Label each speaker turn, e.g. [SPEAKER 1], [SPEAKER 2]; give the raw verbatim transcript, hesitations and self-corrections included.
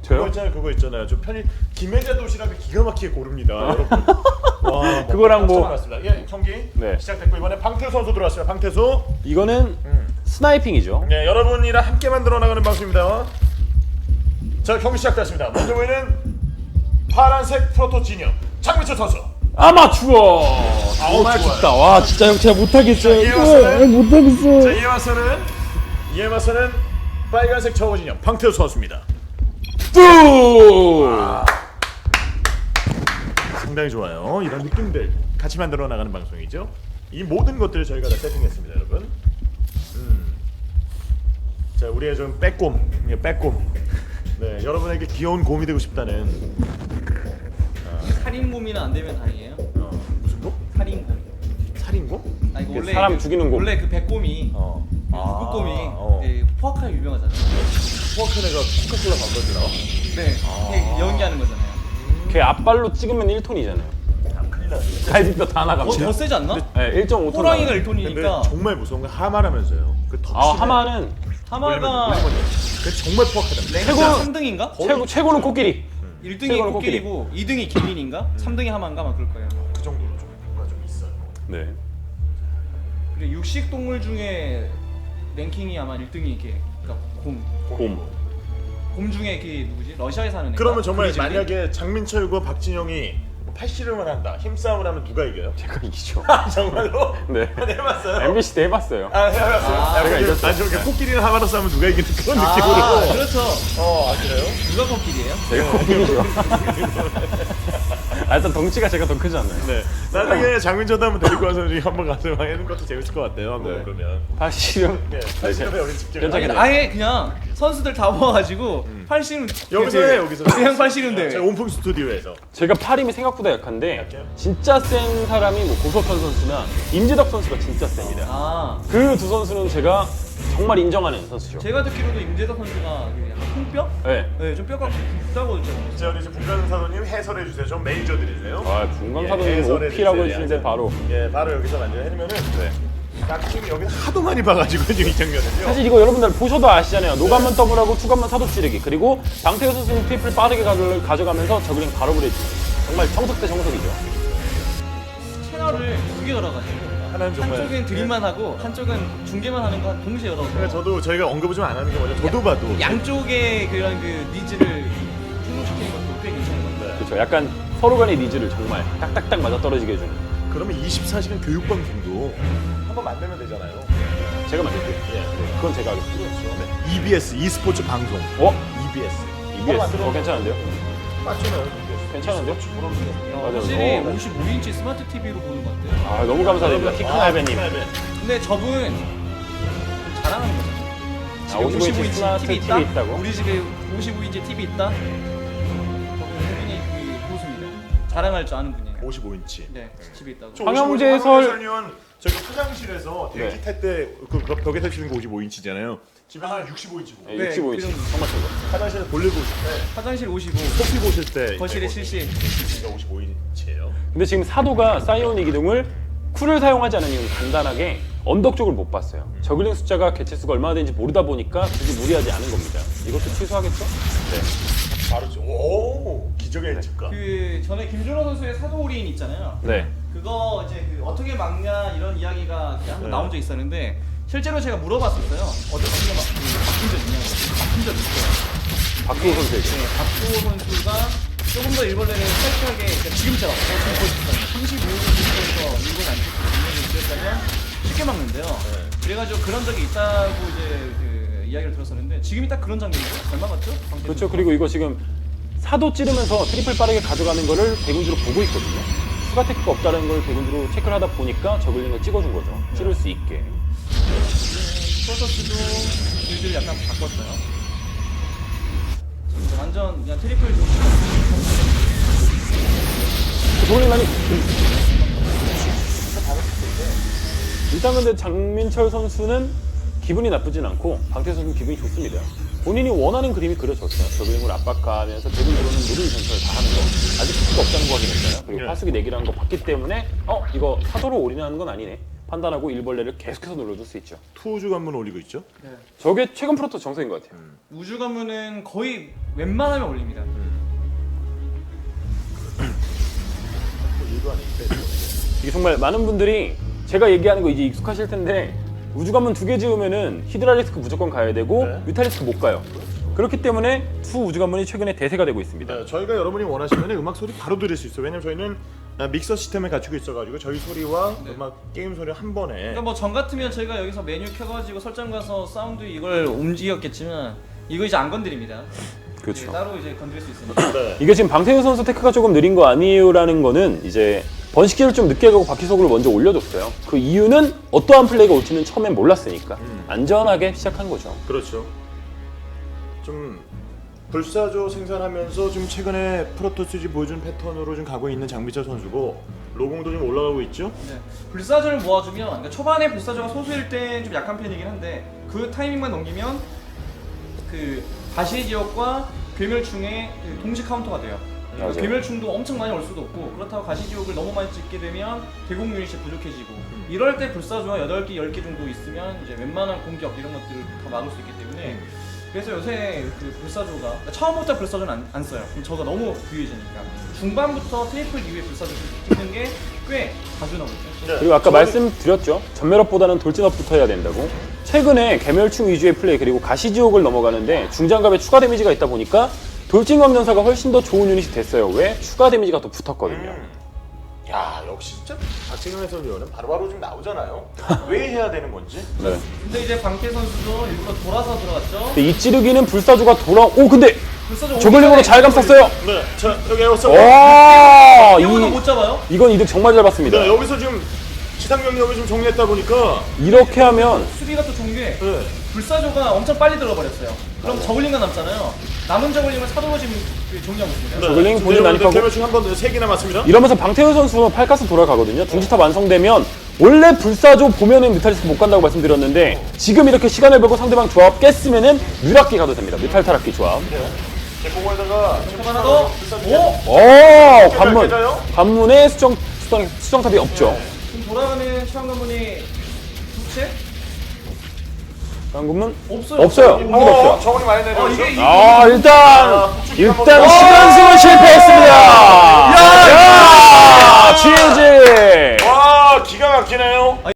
[SPEAKER 1] 저요?
[SPEAKER 2] 그거 있잖아요. 그거 있잖아요. 좀 편히 김혜자 도시락을 기가 막히게 고릅니다, 여러분. 와,
[SPEAKER 1] 그거랑 뭐-
[SPEAKER 2] 뭐 예, 경기
[SPEAKER 1] 네.
[SPEAKER 2] 시작됐고 이번에 방태수 선수 들어왔습니다. 방태수.
[SPEAKER 1] 이거는
[SPEAKER 2] 음.
[SPEAKER 1] 스나이핑이죠.
[SPEAKER 2] 네, 여러분이랑 함께 만들어 나가는 방송입니다. 자, 경기 시작됐습니다. 먼저 보이는 파란색 프로토 진영 장민철 선수.
[SPEAKER 1] 아마추어.
[SPEAKER 2] 아우,
[SPEAKER 1] 정말
[SPEAKER 2] 좋아요.
[SPEAKER 1] 춥다. 와 진짜 형 제가 못하겠어요.
[SPEAKER 2] 이에 맞서는
[SPEAKER 1] 못하겠어.
[SPEAKER 2] 자, 이에 맞서는 이에 맞서는 빨간색 저거 진영 방태수 선수입니다.
[SPEAKER 1] 뚜.
[SPEAKER 2] 상당히 좋아요. 이런 느낌들 같이 만들어 나가는 방송이죠. 이 모든 것들을 저희가 다 세팅했습니다, 여러분. 음. 자, 우리의 좀 빼꼼, 예, 빼꼼. 네, 여러분에게 귀여운 곰이 되고 싶다는
[SPEAKER 3] 살인범이나 안 되면 다행이에요.
[SPEAKER 2] 어, 무슨 곰?
[SPEAKER 3] 살인범.
[SPEAKER 2] 살인곰?
[SPEAKER 3] 아 이거 원래
[SPEAKER 1] 사람
[SPEAKER 3] 그,
[SPEAKER 1] 죽이는 곰.
[SPEAKER 3] 원래 그 백곰이
[SPEAKER 2] 어.
[SPEAKER 3] 북극곰이
[SPEAKER 2] 어.
[SPEAKER 3] 네, 포악하게 유명하잖아요.
[SPEAKER 2] 포악한 애가 코카콜라 광고지나?
[SPEAKER 3] 네,
[SPEAKER 2] 아.
[SPEAKER 3] 걔 연기하는 거잖아요.
[SPEAKER 1] 걔 앞발로 찍으면 일 톤이잖아요.
[SPEAKER 2] 큰일 나네.
[SPEAKER 1] 갈비뼈 다
[SPEAKER 3] 어,
[SPEAKER 1] 나갑니다.
[SPEAKER 3] 더 세지 않나?
[SPEAKER 1] 네, 일 점 오 톤.
[SPEAKER 3] 호랑이가
[SPEAKER 1] 나가요.
[SPEAKER 3] 일 톤이니까
[SPEAKER 2] 근데 정말 무서운 건 하마라면서요. 그 덕심에
[SPEAKER 1] 아 하마는
[SPEAKER 3] 하마가
[SPEAKER 2] 그 정말 포악하다.
[SPEAKER 3] 랭크
[SPEAKER 1] 최고는-
[SPEAKER 3] 삼 등인가?
[SPEAKER 1] 최고 최고는 코끼리.
[SPEAKER 3] 일 등이
[SPEAKER 1] 최고는
[SPEAKER 3] 코끼리고 이 등이 기린인가? 삼 등이 하마인가 막 그럴 거예요.
[SPEAKER 2] 그 정도로 좀 뭔가 좀 있어요.
[SPEAKER 1] 네.
[SPEAKER 3] 그리고 육식 동물 중에 랭킹이 아마 일 등이 이게 그러니까 곰.
[SPEAKER 1] 곰.
[SPEAKER 3] 곰 중에 그 누구지? 러시아에 사는 애가.
[SPEAKER 2] 그러면 정말
[SPEAKER 3] 브리즈리?
[SPEAKER 2] 만약에 장민철과 박진영이 뭐 팔씨름을 한다, 힘싸움을 하면 누가 이겨요?
[SPEAKER 1] 제가 이기죠.
[SPEAKER 2] 정말로?
[SPEAKER 1] 네.
[SPEAKER 2] 해봤어요?
[SPEAKER 1] 엠비씨 때 해봤어요.
[SPEAKER 2] 아, 해봤어요.
[SPEAKER 3] 아,
[SPEAKER 2] 아,
[SPEAKER 1] 제가
[SPEAKER 2] 근데-
[SPEAKER 1] 이겼어요.
[SPEAKER 2] 아, 저게 코끼리랑 하마로 싸우면 누가 이기는 그런
[SPEAKER 3] 아,
[SPEAKER 2] 느낌으로.
[SPEAKER 3] 그렇죠.
[SPEAKER 2] 어, 아 그래요?
[SPEAKER 3] 누가 코끼리예요?
[SPEAKER 1] 제가 코끼리죠. 아 일단 덩치가 제가 더 크지 않나요?
[SPEAKER 2] 네. 나중에 장민철도 한번 데리고 와서 우리 한번 가서 하는 것도 재밌을 것 같아요. 한번
[SPEAKER 1] 네.
[SPEAKER 2] 그러면.
[SPEAKER 1] 팔씨름.
[SPEAKER 2] 네. 팔씨름에 여기 직접.
[SPEAKER 1] 괜찮겠네.
[SPEAKER 3] 아니, 아예 그냥 선수들 다 모아가지고 팔씨름
[SPEAKER 2] 여기서 해 여기서.
[SPEAKER 3] 그냥 팔씨름
[SPEAKER 2] 제
[SPEAKER 3] 대회.
[SPEAKER 2] 온풍 스튜디오에서.
[SPEAKER 1] 제가 팔힘이 생각보다 약한데
[SPEAKER 2] 약해요?
[SPEAKER 1] 진짜 센 사람이 뭐 고석현 선수나 임지덕 선수가 진짜 셉니다.
[SPEAKER 3] 아
[SPEAKER 1] 그 두 선수는 제가 정말 인정하는 선수죠.
[SPEAKER 3] 제가 듣기로도 임재덕 선수가 그 약간 통뼈?
[SPEAKER 1] 네.
[SPEAKER 3] 네, 좀 뼈가 굵다고 들었어요.
[SPEAKER 2] 자, 우리 이제 분간사도님 해설해 주세요. 좀 매니저들이세요.
[SPEAKER 1] 아
[SPEAKER 2] 예,
[SPEAKER 1] 분광사도님
[SPEAKER 2] 해설해
[SPEAKER 1] 오피라고
[SPEAKER 2] 주세요.
[SPEAKER 1] 해주시는데 바로.
[SPEAKER 2] 예, 바로 여기서 완전 해면은 네. 딱 지금 여기서 하도 많이 봐가지고 지금 이 장면은요.
[SPEAKER 1] 사실 이거 여러분들 보셔도 아시잖아요. 노감만 더블하고 투감만 사도 찌르기. 그리고 방태호 선수는 트리플 빠르게 가져- 가져가면서 저글링 바로 브레이킹. 정말 정석 대 정석이죠.
[SPEAKER 3] 채널을 두 개 열어가지고
[SPEAKER 2] 하나는 정말
[SPEAKER 3] 한쪽은 드림만 하고 한쪽은 중계만 하는 거 동시에 열어서
[SPEAKER 2] 그러니까 저도 저희가 언급을 좀 안 하는 게 뭐냐. 저도 봐도
[SPEAKER 3] 양쪽의 그런 그 니즈를 충족시키는 것도 꽤 괜찮은 것 같아요.
[SPEAKER 1] 그렇죠. 약간 서로 간의 니즈를 정말 딱딱딱 맞아 떨어지게 해주는.
[SPEAKER 2] 그러면 이십사 시간 교육 방송도 한번 만들면 되잖아요.
[SPEAKER 1] 제가 만들게요.
[SPEAKER 2] 예.
[SPEAKER 1] 네, 그건 제가 하겠습니다.
[SPEAKER 2] 네. 이비에스 e스포츠 방송.
[SPEAKER 1] 어?
[SPEAKER 2] 이비에스.
[SPEAKER 1] 이비에스. 어 괜찮은데요?
[SPEAKER 2] 맞잖아요. 이비에스.
[SPEAKER 1] 괜찮은데요?
[SPEAKER 2] e스포츠 프로그램.
[SPEAKER 3] 어,
[SPEAKER 1] 맞아요.
[SPEAKER 3] 확실히
[SPEAKER 1] 어.
[SPEAKER 3] 오십오 인치 스마트 티비로 보는 것 같아요.
[SPEAKER 1] 아 너무 감사드립니다. 키큰 할배님.
[SPEAKER 3] 근데 저분 자랑하는 거죠.
[SPEAKER 1] 아, 오십오 인치 스마트 티비 있다고?
[SPEAKER 3] 우리 집에 오십오 인치 티비 있다? 저분 굉장히 그 고수입니다. 자랑할 줄 아는 분이에요.
[SPEAKER 2] 오십오 인치.
[SPEAKER 3] 네, 집에 있다고.
[SPEAKER 2] 저
[SPEAKER 1] 황영재
[SPEAKER 2] 오십오
[SPEAKER 1] 해설-
[SPEAKER 2] 해설위원 저기 화장실에서 대기
[SPEAKER 1] 네.
[SPEAKER 2] 탈때그 그 벽에서 치는 거 오십오 인치잖아요. 집에 한 육십오 인치고.
[SPEAKER 1] 네,
[SPEAKER 3] 네,
[SPEAKER 1] 육십오 인치.
[SPEAKER 3] 그 정도.
[SPEAKER 1] 정말 최고.
[SPEAKER 2] 화장실에 볼일 보실 때,
[SPEAKER 3] 화장실 오십오,
[SPEAKER 2] 커피 보실 때
[SPEAKER 3] 거실에 칠십.
[SPEAKER 2] 오십오 인치예요.
[SPEAKER 1] 근데 지금 사도가 사이오닉 기둥을 쿨을 사용하지 않은 이유는 간단하게 언덕 쪽을 못 봤어요. 저글링 숫자가 개체 수가 얼마나 되는지 모르다 보니까 굳이 무리하지 않은 겁니다. 이것도 취소하겠죠? 네.
[SPEAKER 2] 바로 저, 오 기적의 예측가.
[SPEAKER 3] 그 전에 김준호 선수의 사도 올인 있잖아요.
[SPEAKER 1] 네.
[SPEAKER 3] 그거 이제 그 어떻게 막냐 이런 이야기가 한번
[SPEAKER 2] 네.
[SPEAKER 3] 나온 적 있었는데 실제로 제가 물어봤었어요. 어떻게 막, 그 바뀐 적 있냐고. 바뀐 적 있어요.
[SPEAKER 1] 박주호 선수에게.
[SPEAKER 3] 네, 박주호 선수가 조금 더 일벌레를 살짝하게 그러니까 지금처럼 어, 지금 보시면 삼십오 분부터 일본 안쪽 있었다면 쉽게 막는데요.
[SPEAKER 2] 네.
[SPEAKER 3] 그래가지고 그런 적이 있다고 이제 그 이야기를 들었었는데 지금이 딱 그런 장면이에요. 잘 막았죠? 방태수
[SPEAKER 1] 그렇죠.
[SPEAKER 3] 선수가.
[SPEAKER 1] 그리고 이거 지금 사도 찌르면서 트리플 빠르게 가져가는 거를 대군주로 보고 있거든요. 추가 테크가 없다는 걸 대군주로 체크를 하다 보니까 저글링을 찍어준 거죠. 찌를 수 있게.
[SPEAKER 3] 프로토스도 빌드를 약간 바꿨어요. 완전 그냥 트리플 좀
[SPEAKER 1] 저글링 많이 일단 근데 장민철 선수는 기분이 나쁘진 않고 방태수 선수는 기분이 좋습니다. 본인이 원하는 그림이 그려졌어요. 저글링을 압박하면서 대군주로는 모든 전설을 다 하는 거. 아직 수가 없다는 거 확인했잖아요. 그리고
[SPEAKER 2] 네.
[SPEAKER 1] 파수기 내기라는 거 봤기 때문에 어? 이거 사도로 올인하는 건 아니네. 판단하고 일벌레를 계속해서 눌러줄 수 있죠.
[SPEAKER 2] 투우주 관문 올리고 있죠.
[SPEAKER 3] 네.
[SPEAKER 1] 저게 최근 프로토 정석인 것 같아요.
[SPEAKER 3] 우주 가문은 거의 웬만하면 올립니다.
[SPEAKER 2] 일도 아닌데.
[SPEAKER 1] 이게 정말 많은 분들이 제가 얘기하는 거 이제 익숙하실 텐데 우주 관문 두 개 지으면은 히드라리스크 무조건 가야 되고
[SPEAKER 2] 네.
[SPEAKER 1] 뮤탈리스크 못 가요. 그렇기 때문에 투 우주 관문이 최근에 대세가 되고 있습니다.
[SPEAKER 2] 네, 저희가 여러분이 원하시면 음악 소리 바로 들을 수 있어요. 왜냐면 저희는 아, 믹서 시스템을 갖추고 있어가지고 저희 소리와
[SPEAKER 3] 네.
[SPEAKER 2] 음악 게임 소리 한 번에.
[SPEAKER 3] 그러니까 뭐 전 같으면 저희가 여기서 메뉴 켜가지고 설정 가서 사운드 이걸 움직였겠지만 이거 이제 안 건드립니다.
[SPEAKER 1] 그렇죠.
[SPEAKER 3] 이제 따로 이제 건드릴 수 있으니까.
[SPEAKER 2] 네.
[SPEAKER 1] 이게 지금 방태훈 선수 테크가 조금 느린 거 아니에요라는 거는 이제 번식기를 좀 늦게 가고 바퀴속을 먼저 올려줬어요. 그 이유는 어떠한 플레이가 올지는 처음엔 몰랐으니까
[SPEAKER 2] 음.
[SPEAKER 1] 안전하게 시작한 거죠.
[SPEAKER 2] 그렇죠. 좀 불사조 생산하면서 좀 최근에 프로토스지 보여준 패턴으로 좀 가고 있는 장비철 선수고 로공도 좀 올라가고 있죠.
[SPEAKER 3] 네. 불사조를 모아주면 그러니까 초반에 불사조가 소수일 땐 좀 약한 편이긴 한데 그 타이밍만 넘기면 그 가시의 지역과 괴멸충의 그 동시 카운터가 돼요. 그러니까
[SPEAKER 1] 맞아요.
[SPEAKER 3] 괴멸충도 엄청 많이 올 수도 없고 그렇다고 가시지옥을 너무 많이 찍게 되면 대공 유닛이 부족해지고 이럴 때 불사조가 여덟 개, 열 개 정도 있으면 이제 웬만한 공격 이런 것들을 다 막을 수 있기 때문에 그래서 요새 그 불사조가 그러니까 처음부터 불사조는 안, 안 써요. 그럼 저가 너무 부유해지니까 중반부터 트리플 이후에 불사조 찍는 게 꽤 자주 나오죠.
[SPEAKER 2] 네.
[SPEAKER 1] 그리고 아까
[SPEAKER 2] 저희-
[SPEAKER 1] 말씀드렸죠. 전멸업보다는 돌진업부터 해야 된다고. 최근에 괴멸충 위주의 플레이 그리고 가시지옥을 넘어가는데 중장갑에 추가 데미지가 있다 보니까 돌진검전사가 훨씬 더 좋은 유닛이 됐어요. 왜? 추가 데미지가 더 붙었거든요.
[SPEAKER 2] 음. 야 역시 진짜 박진영 해설위원은 바로바로 좀 나오잖아요. 왜 해야 되는 건지.
[SPEAKER 1] 네.
[SPEAKER 3] 근데 이제 방태 선수도 일부러 돌아서 들어갔죠.
[SPEAKER 1] 근데 이 찌르기는 불사조가 돌아. 오 근데
[SPEAKER 3] 불사조
[SPEAKER 1] 저글링으로 잘 감쌌어요.
[SPEAKER 2] 네, 자 여기 에어서.
[SPEAKER 1] 와,
[SPEAKER 3] 이거는
[SPEAKER 1] 이
[SPEAKER 3] 못 잡아요.
[SPEAKER 1] 이건 이득 정말 잘 봤습니다.
[SPEAKER 2] 네, 여기서 지금 지상 병력을 좀 정리했다 보니까.
[SPEAKER 1] 이렇게 하면
[SPEAKER 3] 수비가 또 좋은 게
[SPEAKER 2] 네.
[SPEAKER 3] 불사조가 엄청 빨리 들어버렸어요. 그럼 저글링만 남잖아요. 남은 저글링을 차도로 지금 그 정리하고 있습니다.
[SPEAKER 2] 네,
[SPEAKER 1] 저글링 본인
[SPEAKER 2] 지금
[SPEAKER 1] 난입하고.
[SPEAKER 2] 개별충 한번세 개 남았습니다.
[SPEAKER 1] 이러면서 방태훈 선수 팔가스 돌아가거든요. 둥지탑 완성되면 원래 불사조 보면은 뮤탈리스크 못 간다고 말씀드렸는데 지금 이렇게 시간을 벌고 상대방 조합 깼으면은 뮤락기 가도 됩니다. 뮤탈 타락기 조합.
[SPEAKER 2] 네. 제 공원에다가
[SPEAKER 3] 하나 더. 오!
[SPEAKER 1] 오 관문
[SPEAKER 2] 깨져요?
[SPEAKER 1] 관문에 수정 수정 수정탑이 없죠.
[SPEAKER 3] 지금 돌아가는 최강 관문이 두 채?
[SPEAKER 1] 관문
[SPEAKER 3] 없어요.
[SPEAKER 1] 없어요.
[SPEAKER 3] 어,
[SPEAKER 1] 한 개도 없어요.
[SPEAKER 2] 정원이 많이
[SPEAKER 3] 어,
[SPEAKER 2] 내려오죠.
[SPEAKER 3] 이게 이게
[SPEAKER 1] 아 일단
[SPEAKER 2] 아,
[SPEAKER 1] 일단
[SPEAKER 2] 어!
[SPEAKER 1] 시간승은 실패했습니다. 야, 야, 지지.
[SPEAKER 2] 와 기가 막히네요.